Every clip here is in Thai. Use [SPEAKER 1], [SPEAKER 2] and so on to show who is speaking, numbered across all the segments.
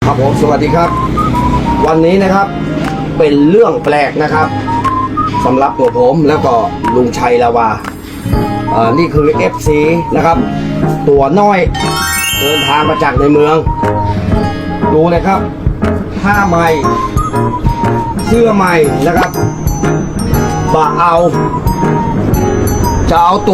[SPEAKER 1] ครับผมสวัสดีครับวันนี้นะครับเป็นเรื่องแปลกนะครับสำหรับตัวผมแล้วก็ลุงชัยลาวานี่คือ FC นะครับตัวน้อยเดินทางมาจากในเมืองดูนะครับผ้าใหม่เสื้อใหม่นะครับบ่าเอาจะเอาตัว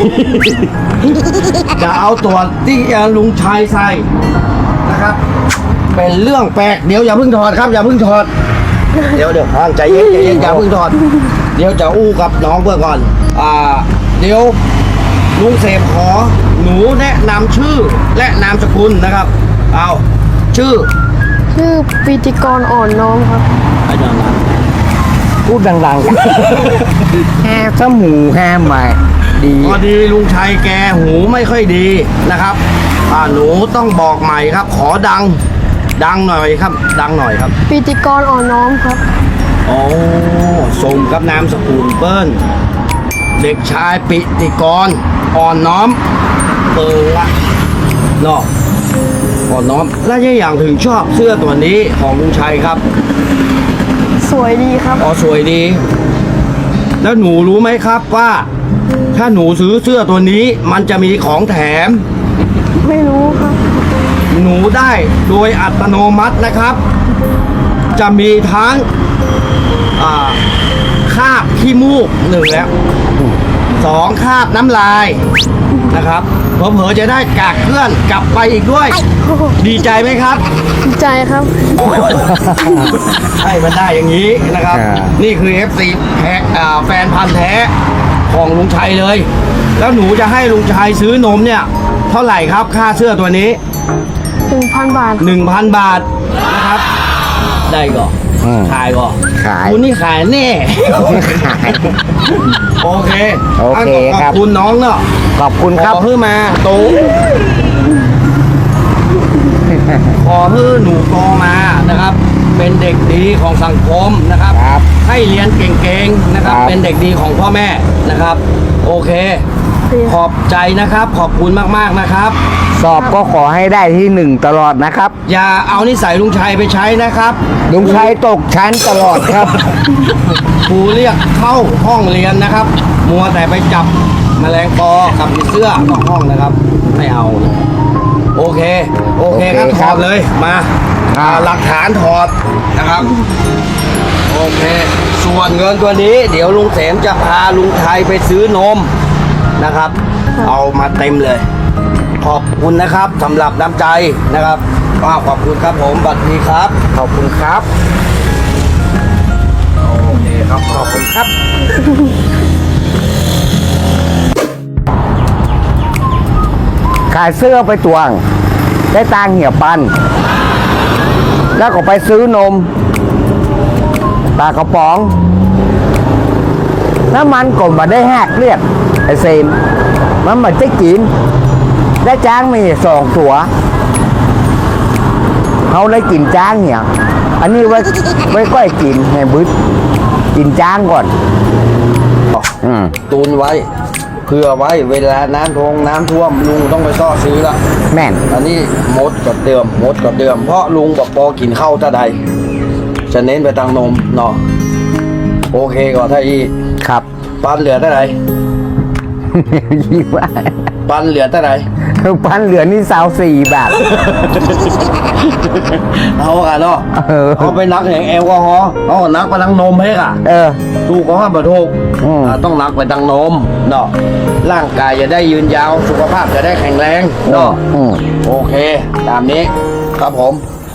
[SPEAKER 1] จะเอาตัวที่ลุงชัยใส่นะครับเป็นเรื่องแปลกเดี๋ยวอย่าเพิ่งถอดครับอย่าเพิ่งถอดเดี๋ยวห้างใจเย็นอย่าเพิ่งถอดเดี๋ยวจะอู้กับน้องเพื่อก่อนเดี๋ยวลุงเสพขอหนูแนะนำชื่อและนามสกุลนะครับเอาชื่อ
[SPEAKER 2] ปิติกรอ่อนน้อมครับ
[SPEAKER 1] ไอ้ดัง
[SPEAKER 3] พูดดังๆแฮมสมูแฮมใหม่ดี
[SPEAKER 1] พอดีลุงชัยแกหูไม่ค่อยดีนะครับหนูต้องบอกใหม่ครับขอดังหน่อยครับดังหน่อยครับ
[SPEAKER 2] ปิติกรอ่อนน้อมครับ
[SPEAKER 1] โอ้สมกับนามสกุลเปิ้ลเด็กชายปิติกรอ่อนน้อมละเนาะอ่อนน้อมแล้วยังอย่างถึงชอบเสื้อตัวนี้ของลุงชัยครับ
[SPEAKER 2] สวยดีครับ
[SPEAKER 1] สวยดีแล้วหนูรู้ไหมครับว่าถ้าหนูซื้อเสื้อตัวนี้มันจะมีของแถม
[SPEAKER 2] ไม่รู้ครับ
[SPEAKER 1] หนูได้โดยอัตโนมัตินะครับจะมีทั้งคาบขี้มูกหนึ่งแล้ว2คาบน้ำลายนะครับเผลอๆจะได้กากเกลื่อนกลับไปอีกด้วยดีใจไหมครับ
[SPEAKER 2] ดีใจครับ
[SPEAKER 1] ให้มันได้อย่างนี้นะครับนี่คือ FC แฟนพันธ์แท้ของลุงชัยเลยแล้วหนูจะให้ลุงชัยซื้อนมเนี่ยเท่าไหร่ครับค่าเสื้อตัวนี้
[SPEAKER 2] 1,000 บาท
[SPEAKER 1] 1,000 บาทนะครับได้ก่อนขายก่อนคุณนี่ขายแน่โอเคขอบคุณน้องเนาะ
[SPEAKER 3] ขอบคุณครับ
[SPEAKER 1] ขอเพื่อมาโตขอเพื่อหนูโตมานะครับเป็นเด็กดีของสังคมนะครับให้เรียนเก่งๆนะครับเป็นเด็กดีของพ่อแม่นะครับโอเคขอบใจนะครับขอบคุณมากๆนะครับ
[SPEAKER 3] สอบก็ขอให้ได้ที่1ตลอดนะครับ
[SPEAKER 1] อย่าเอานิสัยลุงชัยไปใช้นะครับ
[SPEAKER 3] ลุงชัยตกชั้นตลอดครับ
[SPEAKER 1] ครูเรียกเข้าห้องเรียนนะครับมัวแต่ไปจับแมลงปอกับผีเสื้อนอกห้องนะครับไม่เอาโอเคครับถอดเลยมาหลักฐานถอดนะครับโอเคส่วนเงินตัวนี้เดี๋ยวลุงเสมจะพาลุงชัยไปซื้อนมนะครับเอามาเต็มเลยขอบคุณนะครับสำหรับน้ำใจนะครับขอบคุณครับผมบัดนี้ครับ
[SPEAKER 3] ขอบคุณครับ
[SPEAKER 1] โอเคครับขอบคุณครับ
[SPEAKER 3] ขายเสื้อไปตวงได้ตังเหี่ยปันแล้วก็ไปซื้อนมปลากระป๋องน้ำมันก็มาได้หักเรียกไอเซมมันมาจะกินได้จ้างมี2 ตัวเขาได้กินจ้างเนี่ยอันนี้ไว้ก้อยกินให้บึ้ดกินจ้างก่อน
[SPEAKER 1] ตูนไว้เพื่อไว้เวลาน้ำท่วมลุงต้องไปซ่อซื้อละ
[SPEAKER 3] แม่น
[SPEAKER 1] อันนี้มดกับเดิมเพราะลุงบอกปอกินข้าวท่าใดจะเน้นไปทางนมเนาะโอเคก่อนถ้าอี
[SPEAKER 3] ครับ
[SPEAKER 1] ปันเหลือเท่าไหร่
[SPEAKER 3] ยี่ว่า
[SPEAKER 1] ปันเหลือเท่าไหร่
[SPEAKER 3] ปันเหลือนี่24 บาท
[SPEAKER 1] เอาอะเนาะเอาไปนักอย่างแอลกอฮอล์เอานักไปทางนมให้ค่ะถูกก็ห้ามถูกต้องนักไปทางนมเนาะร่างกายจะได้ยืนยาวสุขภาพจะได้แข็งแรงเนาะโอเคตามนี้ครับผม